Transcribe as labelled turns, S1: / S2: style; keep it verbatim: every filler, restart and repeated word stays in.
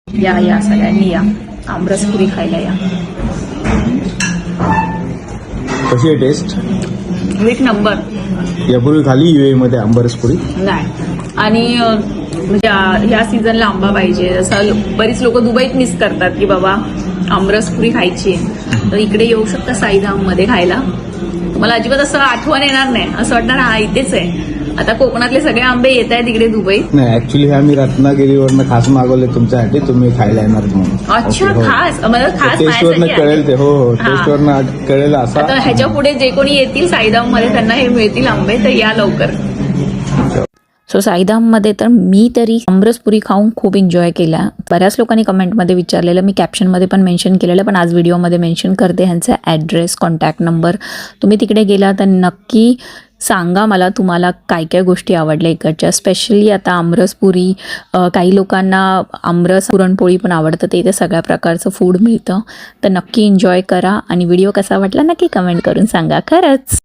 S1: या या सगळ्यांनी या आमरसपुरी खायला या.
S2: कशी आहे टेस्ट?
S1: एक नंबर.
S2: यापूर्वी खाली युए मध्ये आंबरसपुरी
S1: नाही आणि अं, म्हणजे आ- ह्या सीझनला आंबा पाहिजे. असं बरीच लोक दुबईत मिस करतात की बाबा आमरसपुरी खायची आहे, तर इकडे येऊ शकता साईधाम मध्ये खायला. तुम्हाला अजिबात असं आठवण येणार नाही, असं वाटणार हा इथेच आहे. आता कोकणातले सगळे आंबे येत आहेत इकडे दुबईत.
S2: नाही, ऍक्च्युली हे आम्ही रत्नागिरीवरनं खास मागवले तुमच्यासाठी, तुम्ही खायला येणार म्हणून.
S1: अच्छा,
S2: ओके, हो.
S1: खास मला खास
S2: टेस्टवरनं
S1: माझ्यासाठी
S2: कळेल ते. हो हो
S1: हा.
S2: टेस्टवरनं कळेल असा.
S1: आता ह्याच्या पुढे जे कोणी येतील साईधाम मध्ये त्यांना हे मिळतील आंबे, तर या लवकर.
S3: सो साईधाममध्ये तर मी तरी आमरसपुरी खाऊन खूप एन्जॉय केला. बऱ्याच लोकांनी कमेंटमध्ये विचारलेलं, मी कॅप्शनमध्ये पण मेन्शन केलेलं, पण आज व्हिडिओमध्ये मेन्शन करते ह्यांचा ॲड्रेस, कॉन्टॅक्ट नंबर. तुम्ही तिकडे गेला तर नक्की सांगा मला तुम्हाला काय काय गोष्टी आवडल्या इकडच्या. स्पेशली आता आमरसपुरी, काही लोकांना आमरस पुरणपोळी पण आवडतं, ते इथे सगळ्या प्रकारचं फूड मिळतं. तर नक्की एन्जॉय करा आणि व्हिडिओ कसा वाटला नक्की कमेंट करून सांगा. खरंच